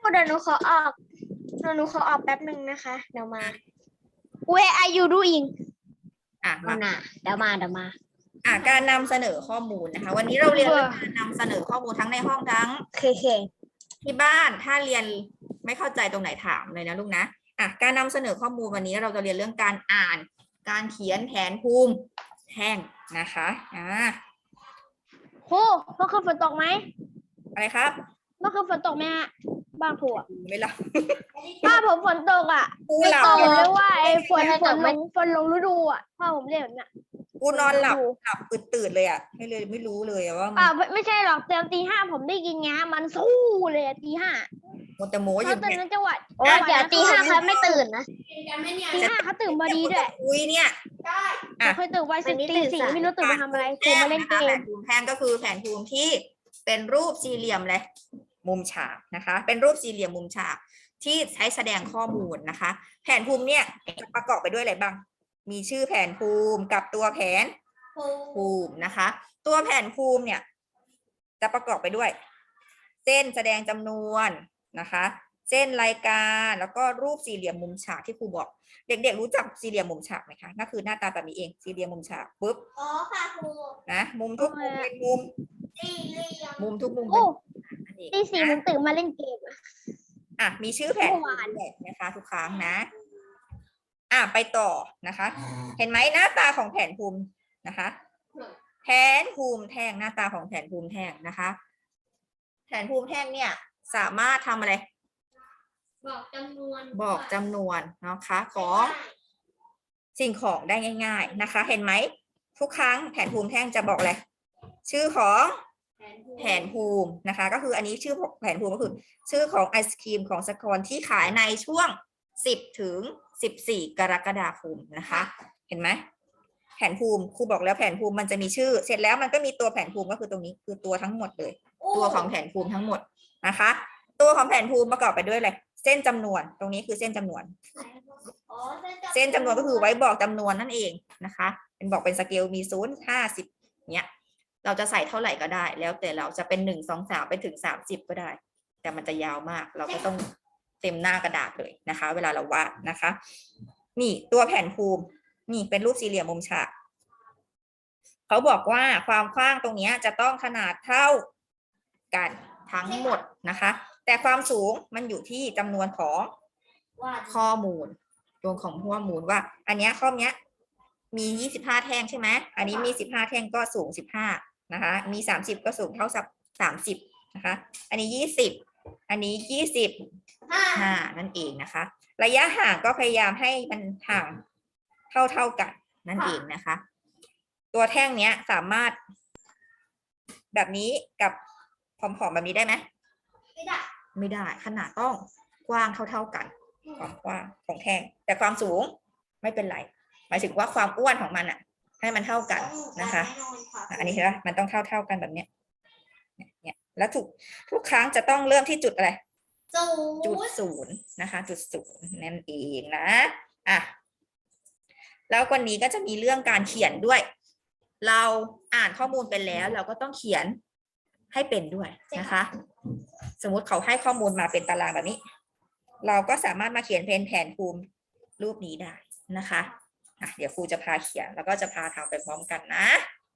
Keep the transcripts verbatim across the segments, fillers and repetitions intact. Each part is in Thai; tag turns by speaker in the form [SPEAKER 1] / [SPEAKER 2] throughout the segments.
[SPEAKER 1] เดี๋ยวหนูขอออกเดี๋ยวหนูขอออกแป๊บหนึ่งนะคะ เดี๋ยวมา Where are you doing
[SPEAKER 2] อ่ะ
[SPEAKER 1] เอา
[SPEAKER 2] มา
[SPEAKER 1] หน่ะเดี๋ยวมาเดี๋ยวมา
[SPEAKER 2] อ่ะการนำเสนอข้อมูลนะคะ วันนี้เราเรียนเรื่องการนำเสนอข้อมูลทั้งในห้องทั้ง
[SPEAKER 1] เคเค
[SPEAKER 2] ที่บ้านถ้าเรียนไม่เข้าใจตรงไหนถามเลยนะลูกนะอ่ะการนำเสนอข้อมูลวันนี้เราจะเรียนเรื่องการอ่าน การเขียนแผนภูมิแท่งนะคะอ่า
[SPEAKER 1] ครูเมื่อคืนฝนตกไหม
[SPEAKER 2] อะไรครับ
[SPEAKER 1] เมื่อคืนฝนตกไหมฮะบ้านครูอ่ะ
[SPEAKER 2] ไม่หลับ
[SPEAKER 1] บ้านผมฝนตกอ่ะ
[SPEAKER 2] กู
[SPEAKER 1] ไม่
[SPEAKER 2] หลับ
[SPEAKER 1] ตกเลยว่าไอ้ฝน
[SPEAKER 3] ไม่
[SPEAKER 1] ฝ
[SPEAKER 3] ต
[SPEAKER 1] น
[SPEAKER 3] ก
[SPEAKER 1] ล
[SPEAKER 3] ไม่
[SPEAKER 1] งฝนลงฤดูอ่ะพ่อผมเรียกแบบเนี้ย
[SPEAKER 2] กูนอนหลับหลับตื่นตื่นเลยอ่ะไม่เลยไม่รู้เลยอะว่ามัน
[SPEAKER 1] อ่าไม่ไม่ใช่หรอกเตีตีห้าผมได้ยินไงฮะมันสู้เลยอะตีห้า
[SPEAKER 2] มันจะโม้
[SPEAKER 1] เขา
[SPEAKER 2] ยัง
[SPEAKER 1] ตื่น
[SPEAKER 2] ไง
[SPEAKER 1] ในจังหวัด
[SPEAKER 3] โอ้ยเดี๋ยวตีห้าเขาไม่ตื่นนะ
[SPEAKER 1] ตีห้าเขาตื่นพอดีด้วย
[SPEAKER 2] อุ้ยเนี่ย
[SPEAKER 1] ผมเคยตื่นไว้สิ
[SPEAKER 3] วันนี้
[SPEAKER 1] ตี
[SPEAKER 3] ตื่น
[SPEAKER 1] สี่
[SPEAKER 3] สาย
[SPEAKER 1] ไม่รู้ตื่นมาทำอะไรตื่นมาเล่นเก
[SPEAKER 2] แผ
[SPEAKER 1] ม
[SPEAKER 2] นภูมิแท่งก็คือแผนภูมิที่เป็นรูปสี่เหลี่ยมเลยมุมฉากนะคะ เป็นรูปสี่เหลี่ยมมุมฉากที่ใช้แสดงข้อมูลนะคะ แผนภูมิเนี่ยจะประกอบไปด้วยอะไรบ้างมีชื่อแผนภูมิกับตัวแผนภูมินะคะ ตัวแผนภูมิเนี่ยจะประกอบไปด้วย เส้นแสดงจำนวนนะคะ เส้นรายการแล้วก็รูปสี่เหลี่ยมมุมฉากที่ครูบอก เด็กๆรู้จักสี่เหลี่ยมมุมฉากไหมคะนั่นคือหน้าตาแบบนี้เองสี่เหลี่ยมมุมฉากปุ๊บ
[SPEAKER 3] อ๋อค่ะครู
[SPEAKER 2] นะมุมทุกมุมเป็นมุม
[SPEAKER 3] สี่เหลี่ยม
[SPEAKER 2] มุมทุกมุม
[SPEAKER 1] โอ้
[SPEAKER 2] เป็นอันนี้
[SPEAKER 1] ตีสี่ผมตื่นมาเล่นเกมอะ
[SPEAKER 2] อ่ะมีชื่อแผน
[SPEAKER 1] เมื่อวาน
[SPEAKER 2] ด้วยนะคะ ทุกครั้งนะ อ่ะไปต่อนะคะ เห็นไหมหน้าตาของแผนภูมินะคะ แผนภูมิแท่งหน้าตาของแผนภูมิแท่งนะคะ แผนภูมิแท่งเนี่ยสามารถทำอะไร
[SPEAKER 3] บอกจำนวน
[SPEAKER 2] บอกจำนวนนะคะของสิ่งของได้ง่าย ๆนะคะ เห็นไหมทุกครั้งแผนภูมิแท่งจะบอกอะไรชื่อของแผนภูมินะคะ ก็คืออันนี้ชื่อแผนภูมิก็คือ ชื่อของไอศครีมของสกอนที่ขายในช่วงสิบถึงสิบสี่กรกฎาคมนะคะ เห็นไหมแผนภูมิครูบอกแล้วแผนภูมิมันจะมีชื่อ เสร็จแล้วมันก็มีตัวแผนภูมิก็คือตรงนี้คือตัวทั้งหมดเลย ตัวของแผนภูมิทั้งหมดนะคะ ตัวของแผนภูมิประกอบไปด้วยอะไรเส้นจำนวนตรงนี้คือเส้นจำนวน
[SPEAKER 3] อ๋อ
[SPEAKER 2] เส้นจำนวนก็คือไว้บอกจำนวนนั่นเองนะคะ เป็นบอกเป็นสเกลมีศูนย์ห้าสิบเนี้ยเราจะใส่เท่าไหร่ก็ได้ แล้วแต่เราจะเป็นหนึ่งสองสามไปถึงสามสิบก็ได้ แต่มันจะยาวมาก เราก็ต้องเต็มหน้ากระดาษเลยนะคะ เวลาเราวาดนะคะ นี่ตัวแผ่นภูมินี่เป็นรูปสี่เหลี่ยมมุมฉากเขาบอกว่าความกว้างตรงนี้จะต้องขนาดเท่ากันทั้งหมดนะคะ แต่ความสูงมันอยู่ที่จำนวนของข้อมูลตัวของข้อมูลว่า อันเนี้ยข้อเนี้ยมียี่สิบห้าแท่งใช่ไหมอันนี้มีสิบห้าแท่งก็สูงสิบห้านะคะ มีสามสิบก็สูงเท่ากับสามสิบนะคะ อันนี้ยี่สิบอันนี้ยี่สิบห้านั่นเองนะคะ ระยะห่างก็พยายามให้มันห่างเท่าเท่ากันนั่นเองนะคะ ตัวแท่งเนี้ยสามารถแบบนี้กับผอมๆแบบนี้ได้ไหม
[SPEAKER 3] ไม่ได้
[SPEAKER 2] ไม่ได้ขนาดต้องกว้างเท่าๆกันความกว้างของแท่งแต่ความสูงไม่เป็นไรหมายถึงว่าความอ้วนของมันอ่ะ ให้มันเท่ากันนะคะ อันนี้เห็นไหมมันต้องเท่าเท่ากันแบบเนี้ยเนี่ยแล้วทุกทุกครั้งจะต้องเริ่มที่จุดอะไร
[SPEAKER 3] ศูน
[SPEAKER 2] จุด
[SPEAKER 3] ย์
[SPEAKER 2] ศูนย์นะคะ จุดศูนย์นั่นเองนะอ่ะแล้ววันนี้ก็จะมีเรื่องการเขียนด้วย เราอ่านข้อมูลไปแล้ว เราก็ต้องเขียนให้เป็นด้วยนะคะ สมมุติเขาให้ข้อมูลมาเป็นตารางแบบนี้ เราก็สามารถมาเขียนเป็นแผนภูมิรูปนี้ได้นะคะอ่ะเดี๋ยวครูจะพาเขียนแล้วก็จะพาทำไปพร้อมกันนะ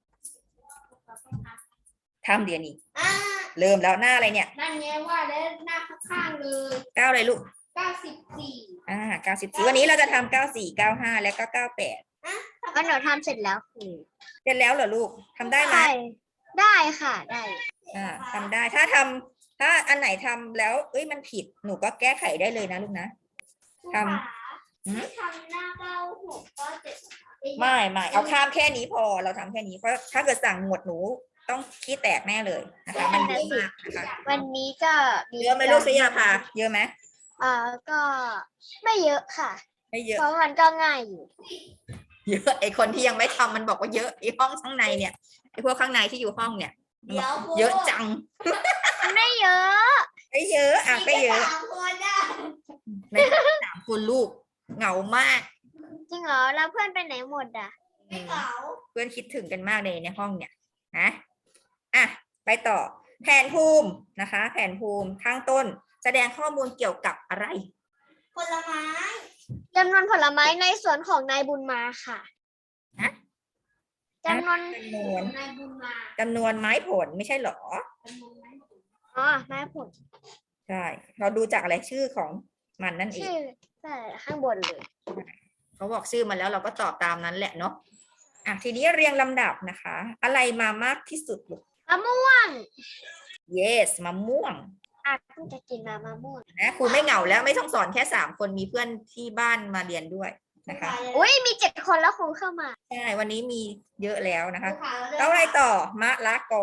[SPEAKER 2] ทำเดี๋ยวนี้
[SPEAKER 3] อ่า
[SPEAKER 2] เริ่มแล้วหน้าอะไรเนี่ย
[SPEAKER 3] นั่นไงว่าแล้วหน้าข้างๆเลย
[SPEAKER 2] เก้าอะไรลูก
[SPEAKER 3] เก้าสิบสี่
[SPEAKER 2] อ่าเก้าสิบสี่วันนี้เราจะทำเก้าสี่เก้าห้าแล้วก็เก้าแปด
[SPEAKER 1] ก็หนูทำเสร็จแล้วครู
[SPEAKER 2] เสร็จแล้วเหรอลูกทำได้ไหม
[SPEAKER 1] ใช่ได้ค่ะได้
[SPEAKER 2] อ่าทำได้ถ้าทำถ้าอันไหนทำแล้วเอ้ยมันผิดหนูก็แก้ไขได้เลยนะลูกนะ ทำ
[SPEAKER 3] ไม่ทำหน้าเก้าหกเก้าเจ็ด
[SPEAKER 2] ไม่ไม่เอาข้ามแค่นี้พอเราทำแค่นี้เพราะถ้าเกิดสั่งหมวดหนูต้องขี้แตกแน่เลยนะคะมันเยอะมากนะคะ
[SPEAKER 1] วันนี้ก็มี
[SPEAKER 2] เยอะไหมลูกสยาพาเยอะไหม
[SPEAKER 1] อ่าก็ไม่เยอะค่ะ
[SPEAKER 2] ไม่เยอะ
[SPEAKER 1] เพราะมันก็ง่ายอยู่
[SPEAKER 2] เยอะไอคนที่ยังไม่ทำมันบอกว่าเยอะไอห้องข้างในเนี่ยไอพวกข้างในที่อยู่ห้องเนี่ยมันบอกเยอะจัง
[SPEAKER 1] ไม่เยอะ
[SPEAKER 2] ไม่เยอะอ่ะก็เยอะ
[SPEAKER 3] สามคนได้
[SPEAKER 2] ในสามคนลูกเหงามาก
[SPEAKER 1] จริงเหรอแล้วเพื่อนไปไหนหมดอ่ะ
[SPEAKER 3] ไม่เก๋า
[SPEAKER 2] เพื่อนคิดถึงกันมากเลยในห้องเนี่ยนะอ่ะไปต่อแผนภูมินะคะ แผนภูมิข้างต้นแสดงข้อมูลเกี่ยวกับอะไร
[SPEAKER 3] ผลไม้
[SPEAKER 1] จำนวนผลไม้ในสวนของนายบุญมาค่ะ
[SPEAKER 2] ฮะ
[SPEAKER 1] จำนวน
[SPEAKER 2] จำนวน
[SPEAKER 3] นายบุญมา
[SPEAKER 2] จำนวนไม้ผลไม่ใช่เหรอ
[SPEAKER 3] จำนวนไม้ผล
[SPEAKER 1] อ๋อไม้ผล
[SPEAKER 2] ใช่ เราดูจากอะไรชื่อของมันนั่นเอง
[SPEAKER 1] ชื่อแต่ข้างบนเลย
[SPEAKER 2] เขาบอกชื่อมาแล้วเราก็ตอบตามนั้นแหละเนาะอ่ะทีนี้เรียงลำดับนะคะ อะไรมามากที่สุดลูก
[SPEAKER 1] มะม่วง
[SPEAKER 2] yes มะม่วง
[SPEAKER 1] อ่ะเพิ่งจะกินมามะม่วง
[SPEAKER 2] นะครูไม่เหงาแล้วไม่ต้องสอนแค่สามคนมีเพื่อนที่บ้านมาเรียนด้วยนะคะ
[SPEAKER 1] อุ้ยมีเจ็ดคนแล้วครูเข้ามา
[SPEAKER 2] ใช่วันนี้มีเยอะแล้วนะคะ
[SPEAKER 3] ภูเขา
[SPEAKER 2] แล้วอะไรต่อมะละกอ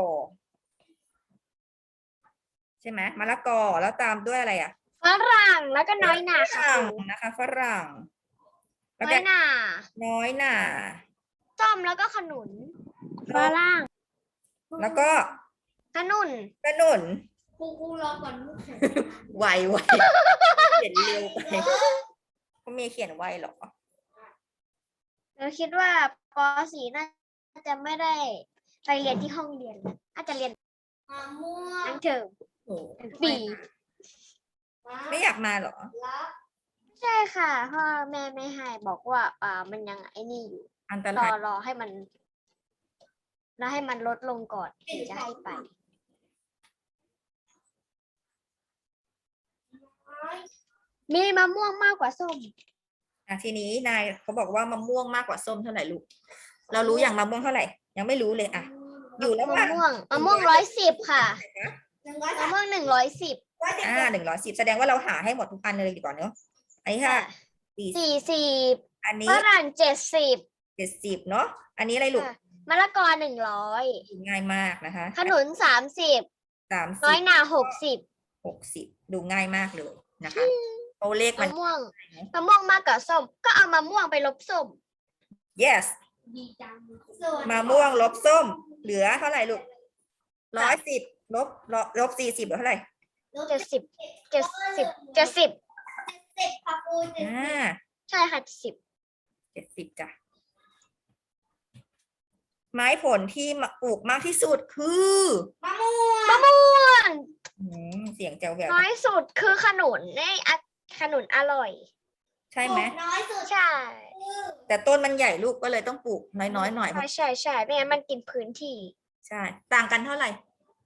[SPEAKER 2] ใช่ไหมมะละกอแล้วตามด้วยอะไรอ่ะ
[SPEAKER 1] ฝรั่งแล้วก็น้อยหนา
[SPEAKER 2] ฝ
[SPEAKER 1] ค่ะ
[SPEAKER 2] รั่ง
[SPEAKER 1] ครู
[SPEAKER 2] นะคะฝรั่งแล้ว
[SPEAKER 1] น้
[SPEAKER 2] ก็
[SPEAKER 1] อยหนา
[SPEAKER 2] น้อยหน่า
[SPEAKER 1] ส้มแล้วก็ขนุน
[SPEAKER 2] ฝรั่ง แล้วก็
[SPEAKER 1] ขนุน
[SPEAKER 2] กระหนุน
[SPEAKER 3] ครูครูรอก่อนลูก
[SPEAKER 2] ไวไวเขียนเร็วไปเขามีเขียนไวเหรอ
[SPEAKER 1] เราคิดว่าป .สี่ น่าจะไม่ได้ไปเรียนที่ห้องเรียนน่าจะเรียน
[SPEAKER 3] มะม่วง
[SPEAKER 1] ทั้งเทอม
[SPEAKER 2] โอ้
[SPEAKER 1] ปี
[SPEAKER 2] ไม่อยากมาเหรอ
[SPEAKER 3] รับ
[SPEAKER 1] ใช่ค่ะพ่อแม่ไม่ให้บอกว่าอ่ามันยังไอ้นี่อยู่
[SPEAKER 2] อันต
[SPEAKER 1] ร
[SPEAKER 2] รา
[SPEAKER 1] อย รอให้มันแล้วให้มันลดลงก่อนถึงจะให้ไป มีมะม่วงมากกว่าส้ม
[SPEAKER 2] อ่ะทีนี้นายเขาบอกว่ามะม่วงมากกว่าส้มเท่าไหร่ลูก เรารู้อย่างมะม่วงเท่าไหร่ ยังไม่รู้เลยอ่ะ อยู่แล้ว
[SPEAKER 1] มะ
[SPEAKER 2] ว่า
[SPEAKER 1] ม่วงมะม่วงร้อยสิบค่ะ
[SPEAKER 3] หนึ่งร้อย
[SPEAKER 1] มะ
[SPEAKER 3] สาม
[SPEAKER 1] ม่วงหนึ่งร้อยสิบ
[SPEAKER 3] ร้อยสิบ
[SPEAKER 2] อ่าหนึ่งร้อยสิบแสดงว่าเราหาให้หมดทุกอันเลยดีกว่าเนอะอันนี้ค่ะสี่
[SPEAKER 1] สี่สิบ
[SPEAKER 2] อันนี้
[SPEAKER 1] ฝรั่งเจ็ดสิบ
[SPEAKER 2] เจ็ดสิบเนาะอันนี้อะไรลูก
[SPEAKER 1] มะละกอหนึ่งร้อย
[SPEAKER 2] ง่ายมากนะคะ
[SPEAKER 1] ขนุนสามสิบ
[SPEAKER 2] สาม
[SPEAKER 1] น้
[SPEAKER 2] สิ
[SPEAKER 1] อย
[SPEAKER 2] บ
[SPEAKER 1] หนาหกสิบ
[SPEAKER 2] หกสิบดูง่ายมากเลยนะคะตัวเลขมั
[SPEAKER 1] มะ
[SPEAKER 2] น
[SPEAKER 1] ม่วงมะม่วงมากกว่าส้ม ก็เอามะม่วงไปลบส้ม
[SPEAKER 2] yes
[SPEAKER 3] ดีจังส่วน
[SPEAKER 2] มะม่วงลบส้ม เหลือเท่าไหร่ลูกร้อยสิบลบลบลบสี่สิบเหลือเท่าไหร่
[SPEAKER 1] เจ็ดสิบเจ็ดสิบเจ็ดสิบ
[SPEAKER 3] เจ็ดค่ะครูเจ็ด
[SPEAKER 2] อ่า
[SPEAKER 1] ใช่ค่ะสิบ
[SPEAKER 2] เจ็ดสิบจ้ะไม้ผลที่มาปลูกมากที่สุดคือ
[SPEAKER 3] มะม่วง
[SPEAKER 1] มะม่วง
[SPEAKER 2] อืมเสียงแจ๋วแหวว
[SPEAKER 1] น้อยสุดคือขนุนนี่อะขนุนอร่อย
[SPEAKER 2] ใช่ไหม
[SPEAKER 3] น้อยสุด
[SPEAKER 1] ใช่
[SPEAKER 3] คือ
[SPEAKER 2] แต่ต้นมันใหญ่ลูกก็เลยต้องปลูกน้อยๆหน่อยเพ
[SPEAKER 1] ใช่
[SPEAKER 2] ราะ
[SPEAKER 1] ใช่ใช่ไม่งั้นมันกินพื้นที่
[SPEAKER 2] ใช่ ต่างกันเท่าไหร่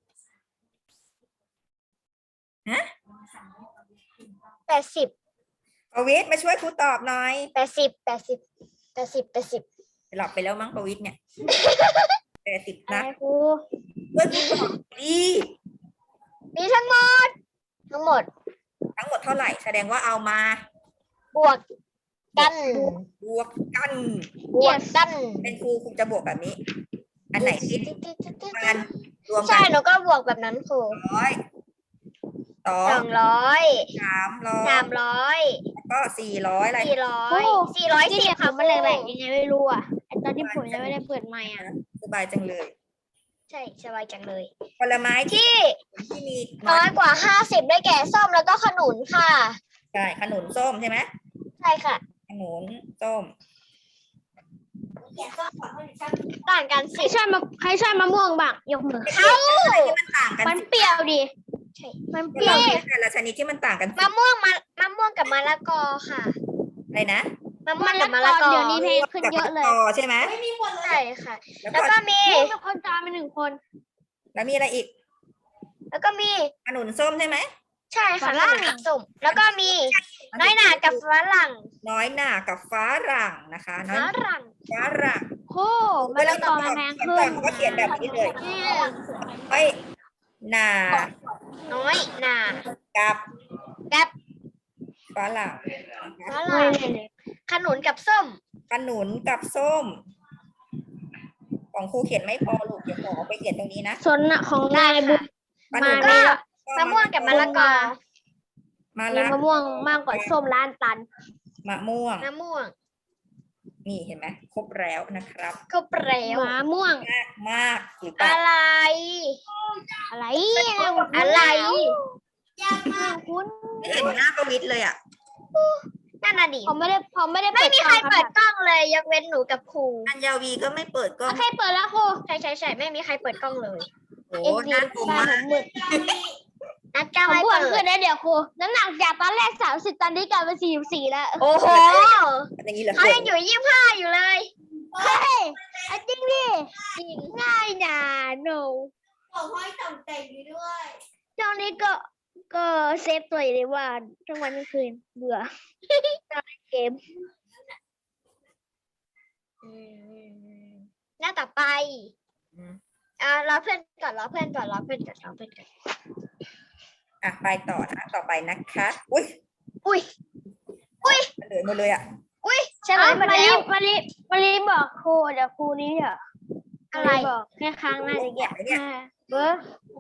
[SPEAKER 2] ฮะ
[SPEAKER 1] แปดสิบ
[SPEAKER 2] ประวิทย์มาช่วยครูตอบหน่อย
[SPEAKER 1] แปดสิบแปดสิบแปดสิบแปดสิบ
[SPEAKER 2] หลับไปแล้วมั้งประวิทย์เนี่ยแปดสิบ
[SPEAKER 1] อะไร
[SPEAKER 2] นะ
[SPEAKER 1] ครู
[SPEAKER 2] ช่วยครูตอบดี
[SPEAKER 1] มีทั้งหมด ทั้งหมด
[SPEAKER 2] ทั้งหมดเท่าไหร่ แสดงว่าเอามา
[SPEAKER 1] บวกกัน
[SPEAKER 2] บวกกัน
[SPEAKER 1] บวกกัน
[SPEAKER 2] เป็นครูครูจะบวกแบบนี้ อันไหนที่มันรวมกั
[SPEAKER 1] ใช่
[SPEAKER 2] น
[SPEAKER 1] หนูก็บวกแบบนั้นครู
[SPEAKER 2] ร้อยสอ
[SPEAKER 1] สอง งร้อย
[SPEAKER 2] สามร้อย
[SPEAKER 1] สามร้อย
[SPEAKER 2] แล้วก็สี่ร้อยอะไร
[SPEAKER 1] สี่ร้อยสี่ร้อยสิบค่ะมันแหลกๆยังไงไม่รู้อ่ะ
[SPEAKER 4] ตอนที่ผมยังไม่ได้เปิดไมค์อ่ะ
[SPEAKER 2] สบายจังเลย
[SPEAKER 1] ใช่สบายจังเลย
[SPEAKER 2] ผลไม้ที่
[SPEAKER 1] ที่
[SPEAKER 2] ที่มี
[SPEAKER 1] น้อยกว่าห้าสิบได้แก่ส้มแล้วก็ขนุนค่ะ
[SPEAKER 2] ใช่ขนุนส้มใช่ไหม
[SPEAKER 1] ใช่ค่ะ
[SPEAKER 2] ขนุนส้ม
[SPEAKER 3] เขียนข้อความให้ชัด
[SPEAKER 1] ต่างกัน
[SPEAKER 4] ใคร
[SPEAKER 1] สิ
[SPEAKER 4] ชอบมะใครชอบมะม่วงบ้างยกมือ
[SPEAKER 2] อะไรที่มันต่างกัน
[SPEAKER 4] มันเปรี้ยวดิ
[SPEAKER 1] ใช่
[SPEAKER 4] มันเป
[SPEAKER 2] ผ
[SPEAKER 4] รี้
[SPEAKER 2] ล
[SPEAKER 4] ยว
[SPEAKER 2] ไม้แต่ละชนิดที่มันต่างกันสิ
[SPEAKER 1] มะม่วงมะมะม่วงกับมะละกอค่ะ
[SPEAKER 2] อะไรนะ
[SPEAKER 1] มะม่ว
[SPEAKER 4] มั
[SPEAKER 1] ง
[SPEAKER 4] น
[SPEAKER 1] กั
[SPEAKER 4] ละ
[SPEAKER 1] บมะ
[SPEAKER 4] ก
[SPEAKER 1] ละ
[SPEAKER 4] อน
[SPEAKER 1] กอ
[SPEAKER 4] เดี๋ยวนี้เพลงขึ้นเยอะเลย
[SPEAKER 2] กับมะละกอใช่ไหม
[SPEAKER 3] ไม่มีคนเลย
[SPEAKER 1] ใช่ค่ะ
[SPEAKER 2] แล้ว
[SPEAKER 1] แล้ว
[SPEAKER 2] ก็
[SPEAKER 1] ก็มี
[SPEAKER 4] เป็นคนจามเป็นหนึ่งคน
[SPEAKER 2] แล้วมีอะไรอีก
[SPEAKER 1] แล้วก็มี
[SPEAKER 2] ขนุนส้มใช่ไหม
[SPEAKER 1] ใช่ค่ะฝรั่งกับส้มแล้วก็มีน้อยหนากับฝรั่ง
[SPEAKER 2] น้อยหน่ากับฟ้ารั่งนะคะน้อย
[SPEAKER 1] ฝรั่ง
[SPEAKER 2] ฟ้ารั่ง
[SPEAKER 4] โค้มะละกอมันแพงขึ้น
[SPEAKER 2] ก็เขียนแบบนี้เลยไม่หนา
[SPEAKER 1] น้อยหนา
[SPEAKER 2] กับ
[SPEAKER 1] กับ
[SPEAKER 2] ฟ้ารั่ง
[SPEAKER 1] ฝรั่งขนุนกับส้ม
[SPEAKER 2] ขนุนกับส้ม ของครูเขียนไม่พอลูกเดี๋ยวขอเอาไปเขียนตรงนี้นะ
[SPEAKER 4] สนน่ะของนายบุญ
[SPEAKER 2] ขนุน
[SPEAKER 1] ก็
[SPEAKER 2] ก็
[SPEAKER 1] มะม่วงกับมะละกอ
[SPEAKER 2] มะ
[SPEAKER 4] มี
[SPEAKER 2] ละ
[SPEAKER 4] มะม่วงมากกว่าส้มล้านตัน
[SPEAKER 2] มะม่วง
[SPEAKER 1] มะม่วง
[SPEAKER 2] นี่เห็นไหมครบแล้วนะครับ
[SPEAKER 1] ก็เปรี้ยว
[SPEAKER 4] มะม่วง
[SPEAKER 2] มากมากหรือเปล่า
[SPEAKER 1] อะไร
[SPEAKER 4] อะไร
[SPEAKER 1] อะไร
[SPEAKER 3] ยากมาก
[SPEAKER 4] คุณ
[SPEAKER 2] ไม่เห็นหน้าประวิตรเลยอ่ะ
[SPEAKER 1] นั่นน่ะดิ
[SPEAKER 4] ผมไม่ได้ผมไม่ได้
[SPEAKER 1] ไม่มีใครเปิด
[SPEAKER 4] ก
[SPEAKER 1] กล้องเลย ยกเว้นหนูกับครู
[SPEAKER 2] อัญญาวีก็ไม่เปิดกล้อง
[SPEAKER 4] โอเคเปิดแล้วครู
[SPEAKER 1] ใช่ใช่ใช่ไม่มีใครเปิดกล้องเลย
[SPEAKER 2] โอ้
[SPEAKER 4] เอ็นดี
[SPEAKER 2] น่ากลัว
[SPEAKER 4] บ้าน
[SPEAKER 2] มา
[SPEAKER 4] ผ
[SPEAKER 2] ก
[SPEAKER 4] มมืด
[SPEAKER 1] นัดจะ
[SPEAKER 4] ผม
[SPEAKER 1] ไม่
[SPEAKER 4] อ้ว
[SPEAKER 1] เปิ
[SPEAKER 4] นขึ้
[SPEAKER 1] ด
[SPEAKER 4] นนะเดี๋ยวครูน้ำหนักจากตอนแรกสามสิบตอนนี้กลายเป็นสี่สิบสี่แล้ว
[SPEAKER 1] โอ้โห
[SPEAKER 2] อย่างนี้เหรอ
[SPEAKER 1] เขายังอยู่ยี่สิบห้าอยู่เลย
[SPEAKER 4] เฮ้ยอ่ะจริงดิจริงง่ายนะหนู
[SPEAKER 3] ของห้อยต่ำแต่งอยู่ด้วย
[SPEAKER 4] ช่วงนี้ก็ก็เซฟตัวอยู่เลยว่าทั้งวันทั้งคืนเบื่อ เกม
[SPEAKER 1] หน้าต่อไป
[SPEAKER 2] อืม
[SPEAKER 1] อ่ารอเพื่อนก่อนรอเพื่อนก่อนรอเพื่อนก่อนรอเพื่อนก่อน
[SPEAKER 2] อ่ะไปต่อนะต่อไปนะคะ อุ้ย
[SPEAKER 1] อุ้ย
[SPEAKER 2] มันเหลือหมดเลยอ่ะ
[SPEAKER 1] อุ้ยใช่ไหม
[SPEAKER 4] เอ้า
[SPEAKER 1] มา
[SPEAKER 4] มา
[SPEAKER 1] แล้
[SPEAKER 4] รี
[SPEAKER 1] ว
[SPEAKER 4] มารีมารีบอกครูเดี๋ยวครูนี้อ่ะ
[SPEAKER 1] อะไร
[SPEAKER 4] มาบอกแค่ครั้งหน้าจะแกะ
[SPEAKER 2] เนี่ย
[SPEAKER 4] เบอร์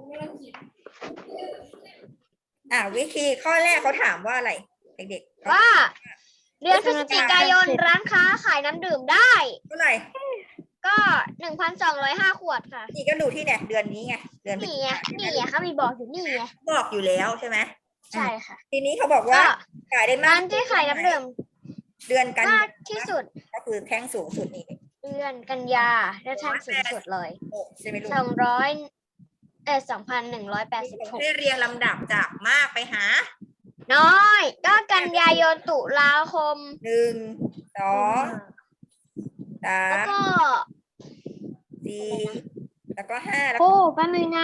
[SPEAKER 2] อ่ะวิธีข้อแรกเขาถามว่าอะไรเด็กๆ
[SPEAKER 1] ว่า เดือนพฤศจิกายนร้านค้าขายน้ำดื่มได้
[SPEAKER 2] เท่าไหร่
[SPEAKER 1] ก็หนึ่งพันสองร้อยห้าขวดค่ะ
[SPEAKER 2] นี่ก็ดูที่เนี่ยเดือนนี้ไงเดือนพฤศ
[SPEAKER 1] นี่
[SPEAKER 2] จิ
[SPEAKER 1] ไง
[SPEAKER 2] กายน
[SPEAKER 1] นี่ไงเขามีบอกอยู่นี่ไง
[SPEAKER 2] บอกอยู่แล้วใช่ไหม
[SPEAKER 1] ใช่ค่ะ
[SPEAKER 2] ทีนี้เขาบอกว่า
[SPEAKER 1] ก็
[SPEAKER 2] ขายได้มาก
[SPEAKER 1] ร้านที่ขายน้ำดื่ม
[SPEAKER 2] เดือนกัน
[SPEAKER 1] มากที่สุด
[SPEAKER 2] ก็คือแท่งสูงสุดนี่
[SPEAKER 1] เดือนกันยาได้แท่งสูงสุดเลย
[SPEAKER 2] โอ้ใช่ไหมลูก
[SPEAKER 1] สองร้อยเออสองพันหนึ่งร้อยแปดสิบหก
[SPEAKER 2] ให้เรียงลำดับจากมากไปหา
[SPEAKER 1] น้อย ก็กันยายนตุลาคม
[SPEAKER 2] หนึ่งสองสา
[SPEAKER 1] แล้ว
[SPEAKER 2] ม
[SPEAKER 1] ก็
[SPEAKER 2] สี่แล้วก็ห้าแล้ว
[SPEAKER 4] ครู
[SPEAKER 2] ก็
[SPEAKER 4] แป๊บนึงนะ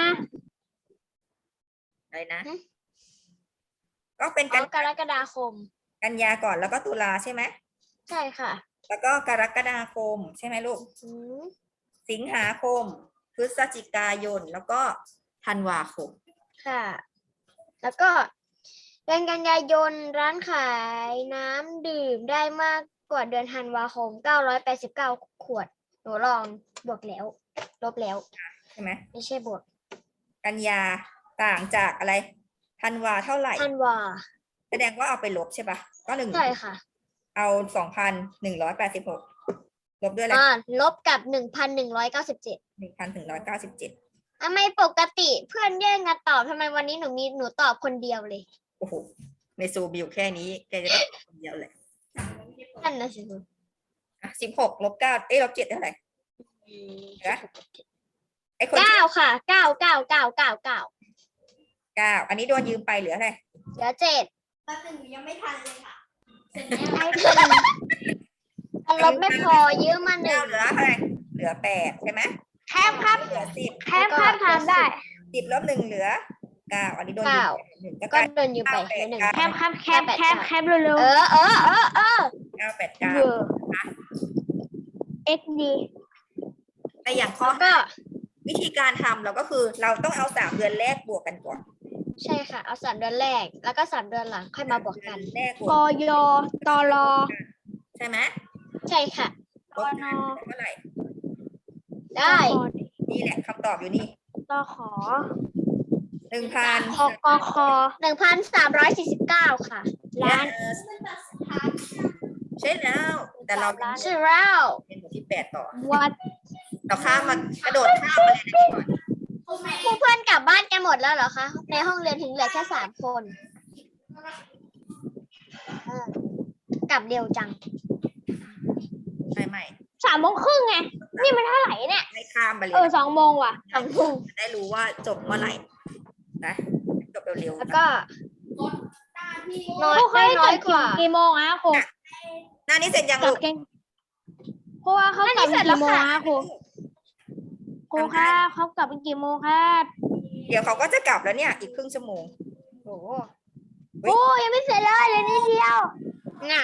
[SPEAKER 2] อะไรนะ ก็เป็น
[SPEAKER 1] อ๋
[SPEAKER 2] กั
[SPEAKER 1] อน กรกฎาคม
[SPEAKER 2] กันยาก่อนแล้วก็ตุลาใช่ไหม
[SPEAKER 1] ใช่ค่ะ
[SPEAKER 2] แล้วก็กรกฎาคมใช่ไหมลูก
[SPEAKER 1] อืม
[SPEAKER 2] สิงหาคม พฤศจิกายนแล้วก็ธันวาคม
[SPEAKER 1] ค่ะ แล้วก็เดือนกันยายนร้านขายน้ำดื่มได้มากกว่าเดือนธันวาคมเก้าร้อยแปดสิบเก้าขวด หนูลองบวกแล้ว ลบแล้ว
[SPEAKER 2] ใช่ไหม
[SPEAKER 1] ไม่ใช่บวก
[SPEAKER 2] กันยาต่างจากอะไรธันวาเท่าไหร่
[SPEAKER 1] ธันวา
[SPEAKER 2] แสดงว่าเอาไปลบใช่ปะก็หนึ่ง
[SPEAKER 1] ใช่ค่ะ
[SPEAKER 2] เอาสองพันหนึ่งร้อยแปดสิบหกลบด้วยอะไร
[SPEAKER 1] อ่า ลบกับหนึ่งพันหนึ่งร้อยเก้าสิบเจ็ด
[SPEAKER 2] หนึ่งพันถึงร้อยเก้าสิบเจ็ด
[SPEAKER 1] ทำไมปกติเพื่อนแย่งกันตอบทำไมวันนี้หนูมีหนูตอบคนเดียวเลย
[SPEAKER 2] โอ้โหในซูบิวแค่นี้แกจะได้คนเดียวเลย
[SPEAKER 1] นั่นนะสิ
[SPEAKER 2] อ่ะสิบหกลบเก้าเอ้ยลบเจ็ดเท่าไหร่เหลือไอ้คน
[SPEAKER 1] เก้าค่ะเก้าเก้าเก้าเก้าเก้า
[SPEAKER 2] เก้าอันนี้โดนยืมไปเหลืออะไร
[SPEAKER 1] เหลือเจ็ด
[SPEAKER 3] แป๊บนึงหนูยังไม่ทันเลยค่ะ เสร็จ
[SPEAKER 1] ไอ้
[SPEAKER 3] แล้ว
[SPEAKER 1] คนลบไม่พอยืมมาหนึ่
[SPEAKER 2] เก้าง เหลืออะไรเหลือแปดใช่ไหม
[SPEAKER 4] แคบครับ
[SPEAKER 2] เหลือสิบ
[SPEAKER 4] แคบครับทำได้
[SPEAKER 2] สิบลบหนึ่งเหลือเก้าอันนี้โดนยืมไปหนึ่งก็ก
[SPEAKER 1] ก็
[SPEAKER 2] ลาย
[SPEAKER 1] โดนยืมไปเหลือหนึ่ง
[SPEAKER 4] แคบครับแคบแคบแคบเร็ว
[SPEAKER 1] เออเออเออเออ
[SPEAKER 2] เก้าแปด
[SPEAKER 4] ๆ
[SPEAKER 2] เก้า
[SPEAKER 4] เบอร์ x d
[SPEAKER 2] แต่อย่างข้อ
[SPEAKER 1] แล้วก็
[SPEAKER 2] วิธีการทำเราก็คือเราต้องเอาสามเดือนแรกบวกกันก่อน
[SPEAKER 1] ใช่ค่ะ เอาสามเดือนแรก แล้วก็สามเดือนหลังค่อยมาบวกกัน
[SPEAKER 2] แรกบ
[SPEAKER 4] ก
[SPEAKER 2] วก
[SPEAKER 4] ยตร
[SPEAKER 2] ใช่ไหม
[SPEAKER 1] ใช่ค่ะ
[SPEAKER 2] ลบกันเท่าไหร่
[SPEAKER 1] ได้
[SPEAKER 2] นี่แหละคำตอบอยู่นี่
[SPEAKER 4] ตขอ
[SPEAKER 2] หนึ่งพัน
[SPEAKER 4] คกค
[SPEAKER 1] หนึ่งพันสามร้อยสี่สิบเก้าค่ะ
[SPEAKER 4] ล้าน
[SPEAKER 2] ใช่แล้ว แต่เรา
[SPEAKER 1] ใช่แล้ว
[SPEAKER 2] เป็นหมู่ที่แปดต่อ
[SPEAKER 4] วัด
[SPEAKER 2] เราข้ามมากระโดดข้ามมาเลยนะก่อน
[SPEAKER 3] ครูแม่
[SPEAKER 1] ผู้เพื่อนกลับบ้านกันหมดแล้วเหรอคะ ในห้องเรียนถึงเหลือแค่สามคนเออกลับเร็วจัง
[SPEAKER 2] ใช่ไหม
[SPEAKER 4] สามโมงครึ่งไง นี่มันเท่าไหร่เนี่ย
[SPEAKER 2] ไม่ข้ามไปเลย
[SPEAKER 4] เออสองโมงว่ะ
[SPEAKER 1] สองทุ่ม
[SPEAKER 2] จะได้รู้ว่าจบเมื่อไหร่นะจบเร็วๆ
[SPEAKER 1] แล้ว
[SPEAKER 2] นะ
[SPEAKER 1] ก็
[SPEAKER 3] ตาที่
[SPEAKER 1] น้อย
[SPEAKER 4] ครูเคย
[SPEAKER 1] น้อย
[SPEAKER 4] จบ
[SPEAKER 1] กว่า
[SPEAKER 4] กี่โมงอะครู
[SPEAKER 2] หน้านี้เสร็จยัง
[SPEAKER 4] จ
[SPEAKER 2] ลู
[SPEAKER 4] บ
[SPEAKER 2] ก
[SPEAKER 4] เก่งเพราะว่าเขากลับ
[SPEAKER 1] อันนี้เสร็จแล้
[SPEAKER 4] กี่
[SPEAKER 1] ว
[SPEAKER 4] โมง
[SPEAKER 1] ค่ะ
[SPEAKER 4] อะครูครูครับเขากลับกี่โมงครับ
[SPEAKER 2] เดี๋ยวเขาก็จะกลับแล้วเนี่ยอีกครึ่งชั่วโมง
[SPEAKER 1] โอ้โห
[SPEAKER 4] โอ้ยังไม่เสร็จเลยเลยนิดเดียว
[SPEAKER 1] น่ะ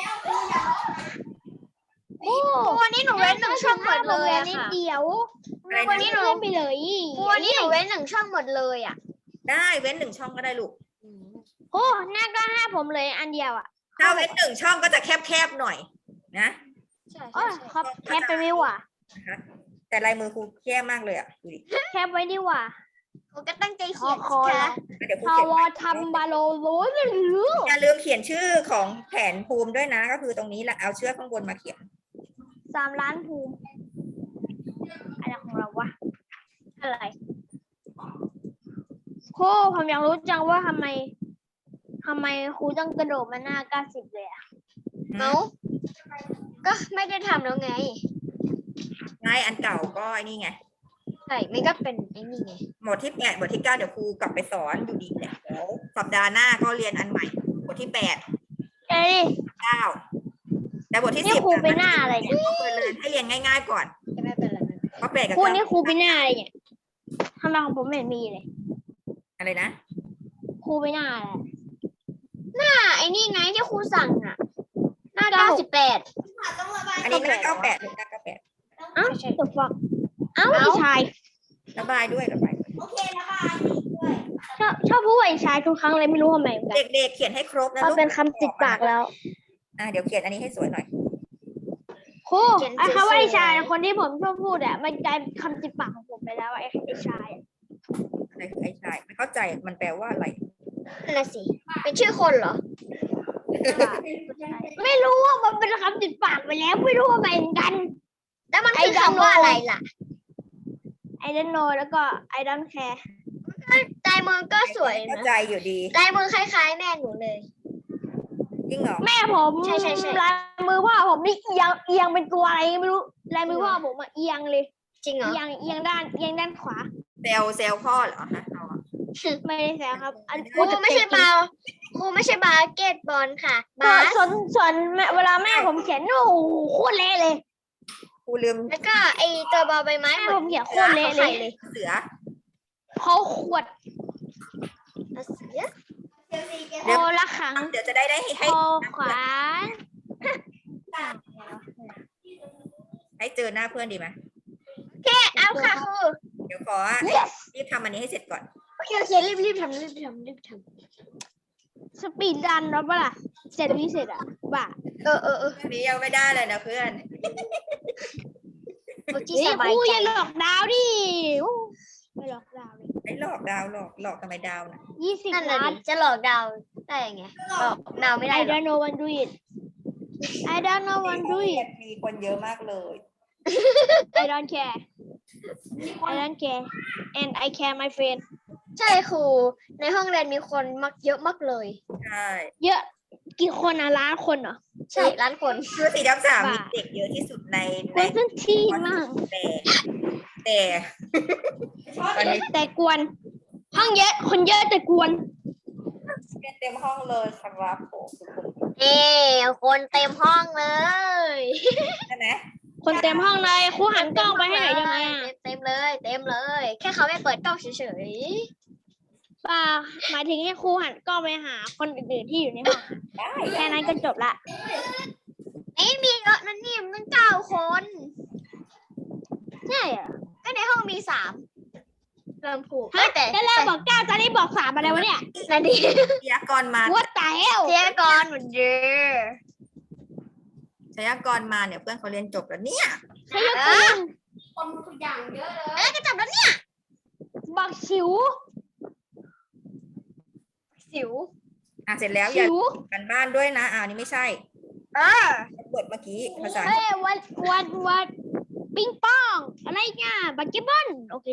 [SPEAKER 4] โอ้
[SPEAKER 1] วันนี้หนูเว้นหนึ่งช่องหมดเลย
[SPEAKER 4] อะ
[SPEAKER 1] อะ
[SPEAKER 4] นิด
[SPEAKER 1] ค่ะ
[SPEAKER 4] เดียว
[SPEAKER 2] อะไรนะ
[SPEAKER 4] วันนี้หนูเล่นไปเลย
[SPEAKER 1] วันนี้หนูเว้นหนึ่งช่องหมดเลยอะ
[SPEAKER 2] ได้เว้นหนึ่งช่องก็ได้ลูก
[SPEAKER 4] โอ้หน้าก็ห้าผมเลยอันเดียวอะ
[SPEAKER 2] ถ้าเว้นหนึ่งช่องก็จะแคบๆหน่อยนะ
[SPEAKER 1] ใช่
[SPEAKER 4] โอ้
[SPEAKER 1] ใช่ใช่
[SPEAKER 4] ครับแคปไปไม่ว่ะ
[SPEAKER 2] นะคะแต่ลายมือครูแย่มากเลยอ่ะดูดิ
[SPEAKER 4] แคปไว้ดีกว่า
[SPEAKER 1] ครูก็ตั้งใจ
[SPEAKER 4] ค
[SPEAKER 1] เขี
[SPEAKER 4] อย
[SPEAKER 1] น
[SPEAKER 4] ค
[SPEAKER 1] สิ
[SPEAKER 4] อ
[SPEAKER 1] คะ
[SPEAKER 2] เดี๋ยวครู
[SPEAKER 4] ท
[SPEAKER 2] เขียน
[SPEAKER 4] ว
[SPEAKER 2] ไว้
[SPEAKER 4] ทำบาโลโรยไม่รู้
[SPEAKER 2] อย่าลืมเขียนชื่อของแผนภูมิด้วยนะ ก็คือตรงนี้แหละเอาเชือกข้างบนมาเขียน
[SPEAKER 4] สามล้านภูมิอะไรของเราวะอะไรครูผมอยากรู้จังว่าทำไมทำไมครูต้องกระโดดมาหน้าเก้าสิบเลยอะ
[SPEAKER 1] เอ้าก็ไม่ได้ทำแล้วไง
[SPEAKER 2] ไงอันเก่าก็ไอ้นี่ไง
[SPEAKER 1] ใช่ไม่ก็เป็นไอ้นี่ไง
[SPEAKER 2] หมวดที่แปดหมวดที่เก้าเดี๋ยวครูกลับไปสอนอยู่ดีแหละเดี๋ยวสัปดาห์หน้าก็เรียนอันใหม่หมวดที่แปด
[SPEAKER 4] เอ้ย
[SPEAKER 2] เก้าแต่บทที่
[SPEAKER 4] นี่
[SPEAKER 2] สิบ
[SPEAKER 4] ครูไปหน้าอะไรเนี่ย
[SPEAKER 2] ก็เรียนให้เรียนง่ายๆก่อน
[SPEAKER 1] จะไม่เป็นไรนะ
[SPEAKER 2] เพราะแปดกับ
[SPEAKER 4] ครู
[SPEAKER 2] เก้า
[SPEAKER 4] นี่ครูไปหน้าอะไรเนี่ยทำไมของผมไม่เห็นมีเลย
[SPEAKER 2] อะไรนะ
[SPEAKER 4] ครูไปหน้าอะไร
[SPEAKER 1] อ่าไอ้นี่ไงที่ครูสั่งอ่ะ หน้าเก้าสิบแปด
[SPEAKER 3] ค่ะต้องระบาย
[SPEAKER 2] อันนี้หน้าเก้าแปดหรือหน้าเก้าแปด
[SPEAKER 4] อ้าวตกฟักเอ้า
[SPEAKER 1] เอ้า
[SPEAKER 4] พี่ชาย
[SPEAKER 2] ระบายด้วยระบายด้วย
[SPEAKER 3] โอเคระบายอีกด้วย
[SPEAKER 4] ชอบชอบพูดว่าไอ้ชายทุกครั้งเลยไม่รู้ทำไมเหมือนกัน
[SPEAKER 2] เด็กๆเขียนให้ครบนะ
[SPEAKER 4] พอ
[SPEAKER 2] ลูก
[SPEAKER 4] เป็นคำติดปากแล้ว
[SPEAKER 2] อ่ะเดี๋ยวเขียนอันนี้ให้สวยหน่อย
[SPEAKER 4] ครูไอ้คำว่าไอ้ชายคนที่ผมชอบพูดอ่ะมันกลายเป็นคำติดปากของผมไปแล้วอะไอ้ไอ้ชายอะ
[SPEAKER 2] อะไรคือไอ้ชายไม่เข้าใจมันแปลว่าอะไร
[SPEAKER 1] นั่นน่ะสิเป็นชื่อคนเหรอ
[SPEAKER 4] ไม่รู้ว่ามันเป็นคำติดปากไปแล้วไม่รู้ว่าเหมือนกัน
[SPEAKER 1] แล้วมัน
[SPEAKER 4] ไอ้
[SPEAKER 1] คือ
[SPEAKER 4] ดำ
[SPEAKER 1] คำว่าอะไรล่ะ
[SPEAKER 4] I don't know แล้วก็ I don't care
[SPEAKER 1] ลายมือก็สวย
[SPEAKER 2] เข้า
[SPEAKER 1] นะ
[SPEAKER 2] ใจอยู่ดี
[SPEAKER 1] ลายมือคล้ายๆ แม่หนูเลย
[SPEAKER 2] จริงเหรอ
[SPEAKER 4] แม่ผม
[SPEAKER 1] ใช่ใช่ใช่
[SPEAKER 4] ลายมือพ่อผมนี่เอียงเอียงเป็นตัวอะไรไม่รู้ลายมือพ่อผมอะเอียงเลย
[SPEAKER 1] จริงเหรอ
[SPEAKER 4] เอียงเอียงด้านเอียงด้านขวา
[SPEAKER 2] เซลเซลพ่อเหรอฮะเอาอะ
[SPEAKER 4] ไม่ได้แซวครับ อัน
[SPEAKER 1] ครูไม่ใช่บาสครูไม่ใช่บาสเกตบอลค่ะ
[SPEAKER 4] ก็
[SPEAKER 1] บาส
[SPEAKER 4] ส่วนส่วนแม่เวลาแม่ผมเขียนโอ้โหโคตรเละเลย
[SPEAKER 2] ครูลืม
[SPEAKER 1] แล้วก็ไอตัวบอลใบไม้
[SPEAKER 4] แม่
[SPEAKER 1] เหมื
[SPEAKER 4] ผ
[SPEAKER 1] อน
[SPEAKER 4] มเขียนโคตรเละเลย
[SPEAKER 1] เลย
[SPEAKER 2] เสือ
[SPEAKER 4] เขาขวด
[SPEAKER 1] เอาเสือ
[SPEAKER 3] เชลซีเกม
[SPEAKER 4] โคละขัง
[SPEAKER 2] เดี๋ยวจะได้ได้ให้
[SPEAKER 4] ค
[SPEAKER 2] ให้
[SPEAKER 4] อขวาน
[SPEAKER 2] ให้เจอหน้าเพื่อนดีไหม
[SPEAKER 1] เอาค่ะครู
[SPEAKER 2] เดี๋ยวขอรีบทำอันนี้ให้เสร็จก่อน
[SPEAKER 1] โอเคโอเครีบรีบทำรีบทำรีบท
[SPEAKER 4] สปีดดันแล้วปะล่ะเสร็จวิเศษอ่ะบ้า
[SPEAKER 1] ำเออเออเออ
[SPEAKER 2] อันนี้ยังไม่ได้เลยนะเพื่อน
[SPEAKER 1] โอเค
[SPEAKER 4] เฮ้ย
[SPEAKER 1] สบาย
[SPEAKER 4] ครู
[SPEAKER 1] ใจ
[SPEAKER 4] อย่าหลอกดาวดิโอ้ไม่หลอกดาวเลย
[SPEAKER 2] ไอ้หลอกดาวหลอกหลอกทำไมดาวน่ะ
[SPEAKER 4] ยี่สิบ
[SPEAKER 1] นั่นน่ะ
[SPEAKER 4] ล้าน
[SPEAKER 1] ดิจะหลอกดาวได้ยังไงหลอกดาวไม่ได้
[SPEAKER 4] I
[SPEAKER 1] หรอก
[SPEAKER 4] don't know what do it I don't know what do it
[SPEAKER 2] มีคนเยอะมากเลย
[SPEAKER 4] I don't care I don't care and I care my friend
[SPEAKER 1] ใช่ครูในห้องเรียนมีคนมักเยอะมากเลย
[SPEAKER 2] ใช่
[SPEAKER 4] เยอะกี่คนอะล้านคนเหรอ
[SPEAKER 1] ใช่ล้านคน
[SPEAKER 2] คือสีดำสาม
[SPEAKER 4] บ้ามี
[SPEAKER 2] มีเด็กเยอะที่สุดใน
[SPEAKER 4] ค
[SPEAKER 2] ใน
[SPEAKER 4] นสั้นที่มาก
[SPEAKER 2] แต่แต่ตอนนี้
[SPEAKER 4] แต่กวน ห้องเยอะ คนเยอะแต่กวน
[SPEAKER 2] เต็มห้องเลยครับผมทุกคน
[SPEAKER 1] เอ้คนเต็มห้องเลย
[SPEAKER 2] ใช่ไหม
[SPEAKER 4] คนเต็มห้องเลยครูหันกล้องไปให้หน่อยได้ไหมอะ
[SPEAKER 1] เต็มเลย เต็มเลย แค่เขาไม่เปิดกล้องเฉย
[SPEAKER 4] ป่าหมายถึงให้ครูหันกล้องไปหาคนอื่นๆที่อยู่ในห้อง
[SPEAKER 2] ได้
[SPEAKER 4] แค่นั้นก็จบละ
[SPEAKER 1] ๆนี่มีเยอะนั่นนี่มันตั้งเก้าคน
[SPEAKER 4] ใช่เหรอ
[SPEAKER 1] ก็ในห้องมีสามเริ่มผูก
[SPEAKER 4] ฮะ
[SPEAKER 1] แต่
[SPEAKER 4] ได้แล้วบอกเก้าตอนนี้บอกสามอะไรวะเนี่ย
[SPEAKER 1] นาดี
[SPEAKER 2] พยากรณ์มา
[SPEAKER 4] What the hell
[SPEAKER 1] เทียกรเหมือนเดิม
[SPEAKER 2] พยากรณ์มาเนี่ยเพื่อนเขาเรียนจบแล้วเนี่ย
[SPEAKER 4] ใช่ยกตัวอย่าง
[SPEAKER 3] คนทุกอย่างเยอะเลย
[SPEAKER 1] เอ้ยก็จับแล้วเนี่ย
[SPEAKER 4] บักชิว
[SPEAKER 1] สิว
[SPEAKER 2] อ่ะเสร็จแล้วอย่า
[SPEAKER 4] ชิว
[SPEAKER 2] กันบ้านด้วยนะอ่านี่ไม่ใช่
[SPEAKER 1] เออ
[SPEAKER 2] บทเมื่อกี้ภาษา
[SPEAKER 4] เฮ้ยวันวันวันปิงปอง อะไรเงี้ยบักเก็ตบอลโอเค